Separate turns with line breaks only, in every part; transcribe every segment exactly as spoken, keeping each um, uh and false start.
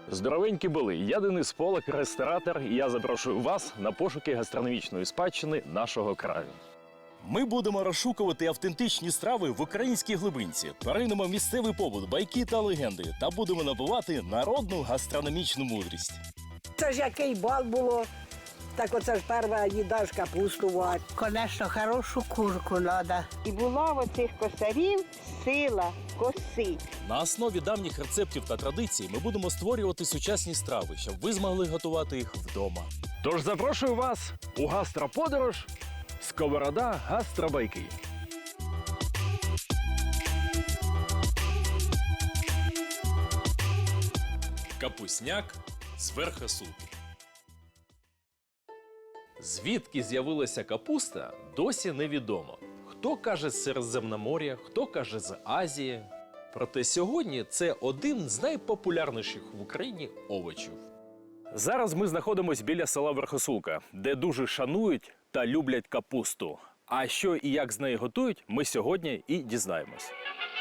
Здоровенькі були! Я Денис Полак, ресторатор, і я запрошую вас на пошуки гастрономічної спадщини нашого краю. Ми будемо розшукувати автентичні страви в українській глибинці, перейдемо місцевий побут, байки та легенди та будемо набувати народну гастрономічну мудрість.
Це ж який бал було, так оце ж перша їда ж капусту варить.
Конечно, хорошу курку треба.
І була в оцих косарів сила коси.
На основі давніх рецептів та традицій ми будемо створювати сучасні страви, щоб ви змогли готувати їх вдома. Тож запрошую вас у гастроподорож «Сковорода гастробайки». Капусняк з верхосулки. Звідки з'явилася капуста, досі невідомо. Хто каже з Середземномор'я, хто каже з Азії. Проте сьогодні це один з найпопулярніших в Україні овочів. Зараз ми знаходимося біля села Верхосулка, де дуже шанують та люблять капусту. А що і як з неї готують, ми сьогодні і дізнаємось.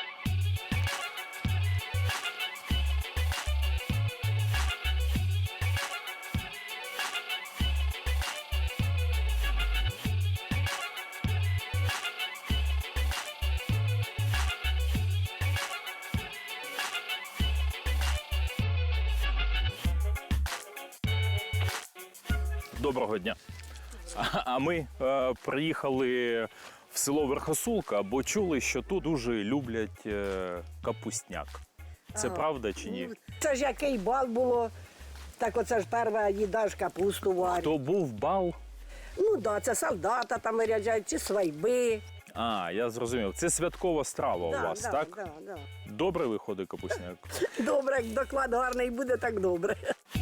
Доброго дня. А ми е, приїхали в село Верхосулка, бо чули, що тут дуже люблять е, капустняк. Це
Ага.
правда чи ні?
Це ж який бал було, так оце ж перша їда ж капусту варить.
То був бал.
Ну так, да, це солдата там виряджають, чи свайби.
А, я зрозумів. Це святкова страва у
Да,
вас,
да,
так?
Да, да.
Добре виходить капустняк?
Добре, як доклад гарний буде, так добре.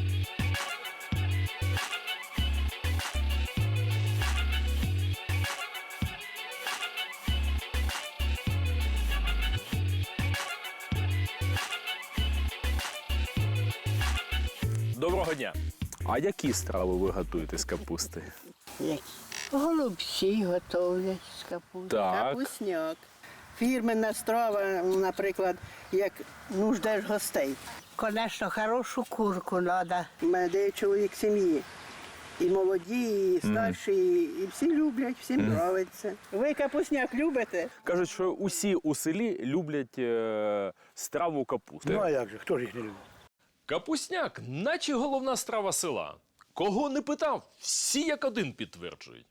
Доброго дня. А які страви ви готуєте з капусти?
Голубці готовлять з капусти.
Так.
Капусняк. Фірменна страва, наприклад, як ну ждеш гостей.
Конечно, хорошу курку треба.
У мене де чоловік сім'ї. І молоді, і старші, і всі люблять, всім подобається. Ви капусняк любите?
Кажуть, що усі у селі люблять е, страву капусти.
Ну а як же, хто ж їх не любить?
Капусняк, наче головна страва села. Кого не питав, всі як один підтверджують.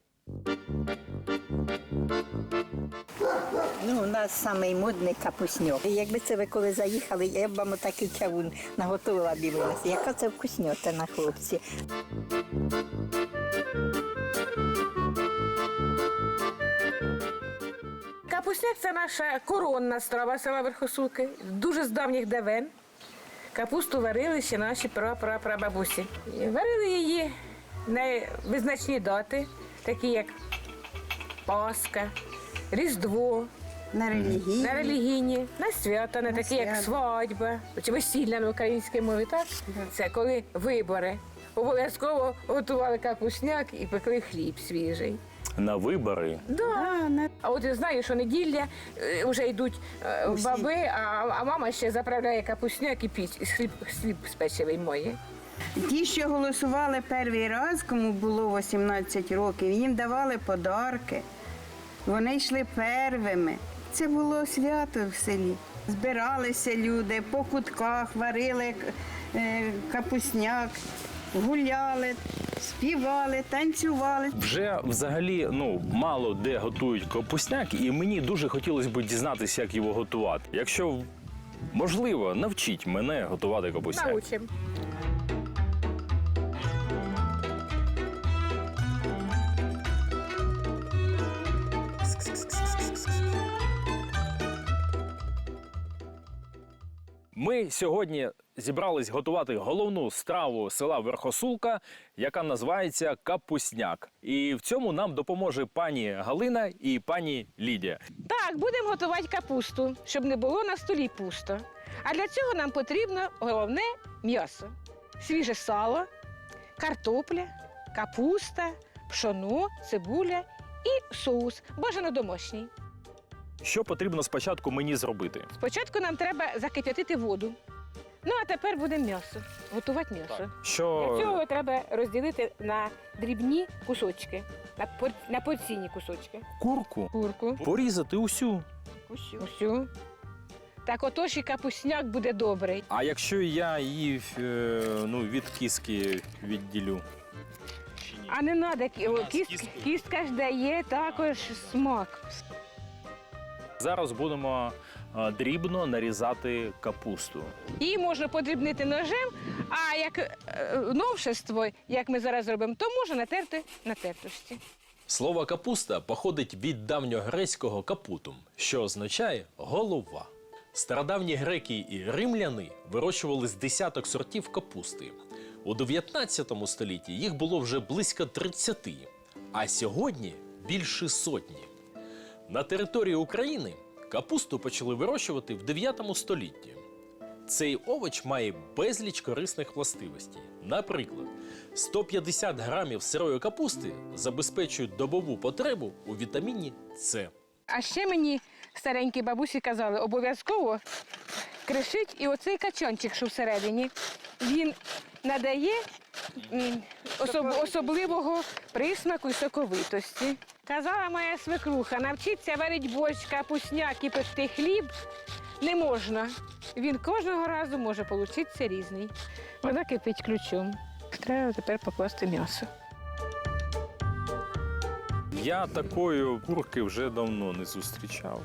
Ну, у нас самий модний капусньок. Якби це ви коли заїхали, я б вам отакий чавун наготувала дивилася. Яка це вкусньотина, хлопці.
Капусняк – це наша коронна страва села Верхосулки, дуже з давніх давен. Капусту варили ще наші прапрапрабабусі. Варили її на визначні дати, такі як Пасха, Різдво,
На релігії.
на релігійні, на свята, на
На
такі як
свята.
свадьба, чи весілля на українській мові, так? Це коли вибори. Обов'язково готували капусняк і пекли хліб свіжий.
На вибори.
Да. А от я знаю, що неділя е, вже йдуть е, баби, а, а мама ще заправляє капусняк і піч, і хліб, хліб з печивий моє.
Ті, що голосували перший раз, кому було вісімнадцять років, їм давали подарки. Вони йшли первими. Це було свято в селі. Збиралися люди по кутках, варили е, капусняк, гуляли, співали, танцювали.
Вже взагалі ну, мало де готують капусняк, і мені дуже хотілося б дізнатися, як його готувати. Якщо можливо, навчіть мене готувати капусняк.
Научимо.
Ми сьогодні зібрались готувати головну страву села Верхосулка, яка називається капусняк. І в цьому нам допоможе пані Галина і пані Лідія.
Так, будемо готувати капусту, щоб не було на столі пусто. А для цього нам потрібно головне м'ясо. Свіже сало, картопля, капуста, пшоно, цибуля і соус, бажано домашній.
Що потрібно спочатку мені зробити?
Спочатку нам треба закип'ятити воду. Ну, а тепер буде м'ясо. Готувати м'ясо.
Що
Для цього треба розділити на дрібні кусочки, на, пор... на порційні кусочки.
курку
Курку.
порізати усю.
Усю. Усю. Так отож і капусняк буде добрий.
А якщо я її е, ну, від кіски відділю?
А не треба, кіст... кістка ж дає також смак.
Зараз будемо е, дрібно нарізати капусту.
Її можна подрібнити ножем, а як е, новшество, як ми зараз робимо, то можна натерти на тертості.
Слово капуста походить від давньогрецького капутум, що означає голова. Стародавні греки і римляни вирощували з десяток сортів капусти. У дев'ятнадцятому столітті їх було вже близько тридцяти, а сьогодні більше сотні. На території України капусту почали вирощувати в дев'ятому столітті. Цей овоч має безліч корисних властивостей. Наприклад, сто п'ятдесят грамів сирої капусти забезпечують добову потребу у вітаміні С.
А ще мені старенькі бабусі казали, обов'язково кришить і оцей качанчик, що всередині. Він надає м, особ, особливого присмаку і соковитості. Казала моя свекруха, навчитися варити борщ, капусняк і пекти хліб не можна. Він кожного разу може получитися різний. Вона кипить ключом. Треба тепер покласти м'ясо.
Я такої курки вже давно не зустрічав.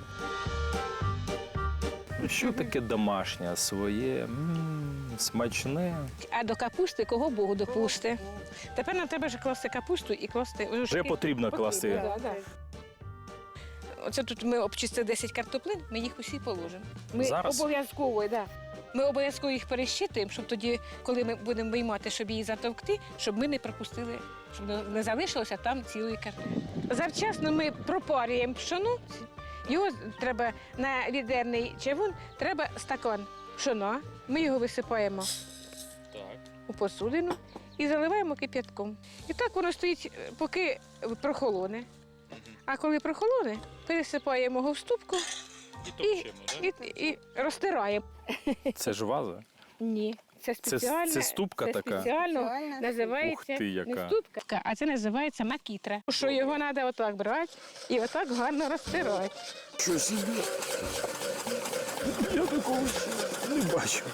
Що таке домашнє, своє, м, смачне.
А до капусти кого Богу допусти. Тепер нам треба ж класти капусту і класти.
Вже потрібно класти.
Да, да. Оце тут ми обчистили десять картоплин, ми їх усі положимо. Ми
Зараз?
обов'язково, да. Ми обов'язково їх перещитуємо, щоб тоді, коли ми будемо виймати, щоб її затовкти, щоб ми не пропустили, щоб не залишилося там цілої картоплі. Завчасно ми пропарюємо пшоно. Його треба на відерний чавун, треба стакан пшона. Ми його висипаємо у посудину і заливаємо кип'ятком. І так воно стоїть, поки прохолоне. А коли прохолоне, пересипаємо його в ступку і, і, і, і розтираємо.
Це ж ваза?
Ні, це спеціальна,
це ступка
це
така?
спеціально
Спеціальна
називається
Ух ти, яка.
не ступка, а це називається макітра. Що його треба отак брати і отак гарно розтирати.
Що собі? Я такого не бачу.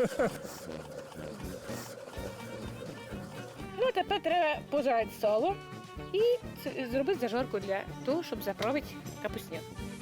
Ну, тепер треба пожарити сало і ц- зробити зажарку для того, щоб заправити капусняк.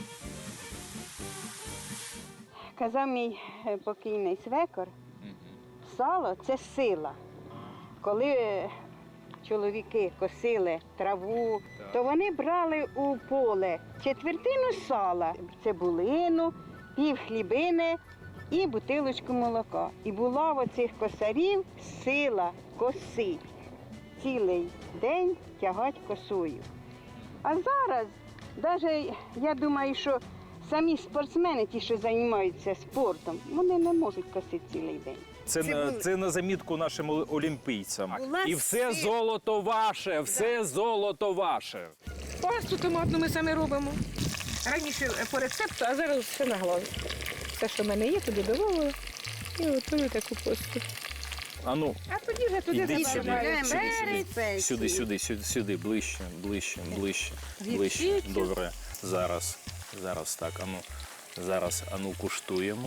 Казав мій е, покійний свекор, сало це сила. Коли е, чоловіки косили траву, то вони брали у поле четвертину сала, цибулину, пів хлібини і бутилочку молока. І була в оцих косарів сила косить. Цілий день тягать косою. А зараз, навіть я думаю, що самі спортсмени, ті, що займаються спортом, вони не можуть косити цілий день.
Це, на, це на замітку нашим ол- олімпійцям.
Була
І все
сила.
золото ваше, все золото ваше.
Пасту томатну ми самі робимо. Раніше по рецепту, а зараз все на голові. Все, що в мене є, туди додавала і готую таку пасту.
А ну,
А тоді вже туди
Іди сюди.
добавляємо
Сюди,
перець.
Спеції.
сюди, сюди, сюди, сюди, ближче, ближче, ближче, ближче.
Гірчицю.
Добре. Зараз, зараз так, ану. Зараз, ану, куштуємо.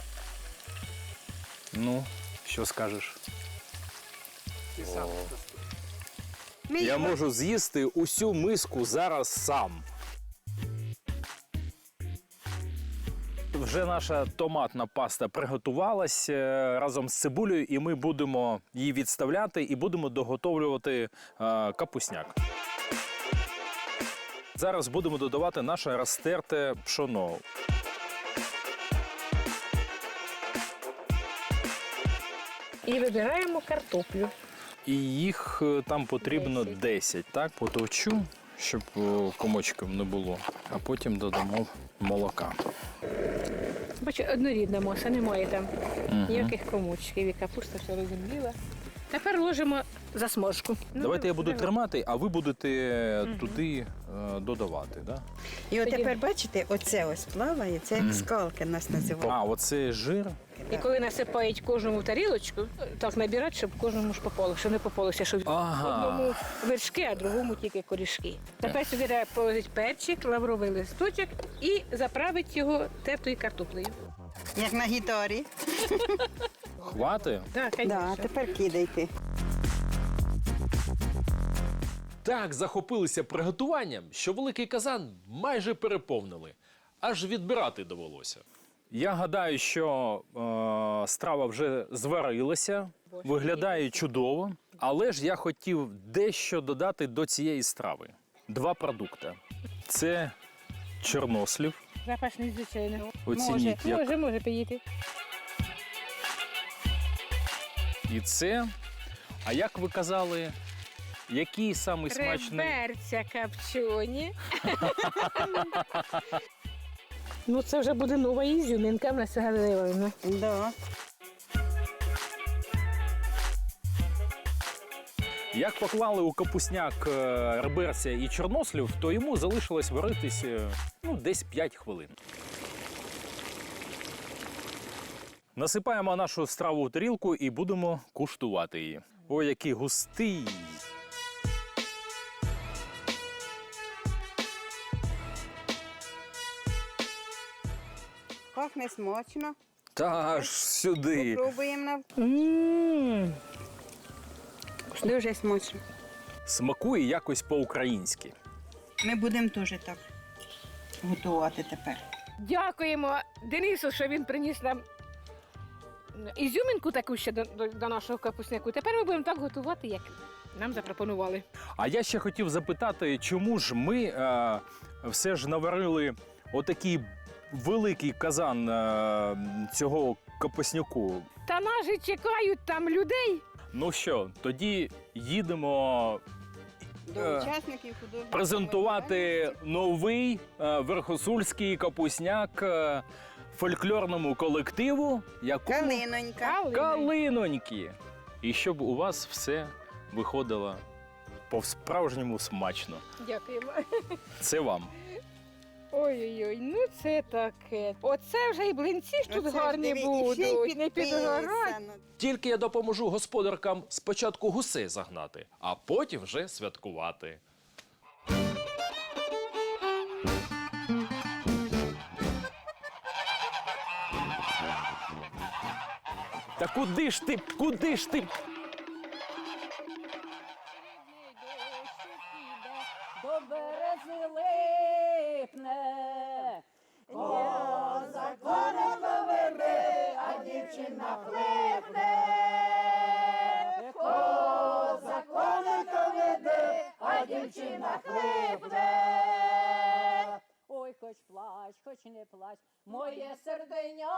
Ну, що скажеш?
Ми
Я
його-
можу з'їсти усю миску зараз сам. Вже наша томатна паста приготувалася разом з цибулею, і ми будемо її відставляти і будемо доготовлювати е, капусняк. Зараз будемо додавати наше розтерте пшоно.
І вибираємо картоплю.
І їх е, там потрібно
Десять.
десять, так? Потовчу, щоб е, комочком не було. А потім додамо молока.
Бачу, однорідна маса, немає там ніяких комочків, і капуста все розуміла. Тепер ложимо засмажку. Ну,
Давайте я буду
давай.
тримати, а ви будете туди е, додавати, да?
І от тепер бачите, оце ось плаває, це як скалки нас називають.
А, оце жир.
І коли насипають кожному в тарілочку, так набирають, щоб кожному ж попало, щоб не попалося, щоб
Ага.
одному вершки, а другому тільки корішки. Тепер сюди треба положити перчик, лавровий листочок і заправити його тертою картоплею.
Як на гітарі.
Хвати?
Так,
Да, тепер кидайте.
Так захопилися приготуванням, що великий казан майже переповнили. Аж відбирати довелося. Я гадаю, що е, страва вже зварилася, виглядає чудово, але ж я хотів дещо додати до цієї страви. Два продукти. Це чорнослів.
Запашний, звичайно.
Оцініть,
Може,
як.
може, може поїти.
І це. А як ви казали, який самий смачний?
Реберця копчені. Ну, це вже буде нова ізюмінка в нас Галина.
Да.
Як поклали у капусняк е, реберця і чорнослів, то йому залишилось варитись е, ну, десь п'ять хвилин. Насипаємо нашу страву у тарілку і будемо куштувати її. Ой, який густий!
Пахне смачно.
Та аж сюди!
Пробуємо на
Ммм.
дуже смачно.
Смакує якось по-українськи.
Ми будемо теж так готувати тепер.
Дякуємо Денису, що він приніс нам ізюмінку таку ще до, до, до нашого капусняку. Тепер ми будемо так готувати, як нам запропонували.
А я ще хотів запитати, чому ж ми е, все ж наварили отакий великий казан е, цього капусняку.
Та нас же чекають там людей.
Ну що, тоді їдемо
До
Е,
учасників художнього
презентувати новий е, верхосульський капусняк е, фольклорному колективу, якому
Калинонька.
Калиноньки. І щоб у вас все виходило по-справжньому смачно.
Дякуємо.
Це вам.
Ой-ой-ой, ну це таке. Оце вже і блинці ж тут
Оце ж
гарні
диви, і ще й
будуть, не
підписано.
підгорать.
Тільки я допоможу господаркам спочатку гусей загнати, а потім вже святкувати. Та куди ж ти? Куди ж ти?
До берези липне, козак коника веде, а дівчина хлипне. Козак коника веде, а дівчина хлипне. Ой, хоч плач, хоч не плач, моє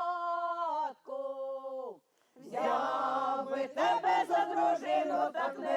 серденятко. Взяв би тебе за дружину, так не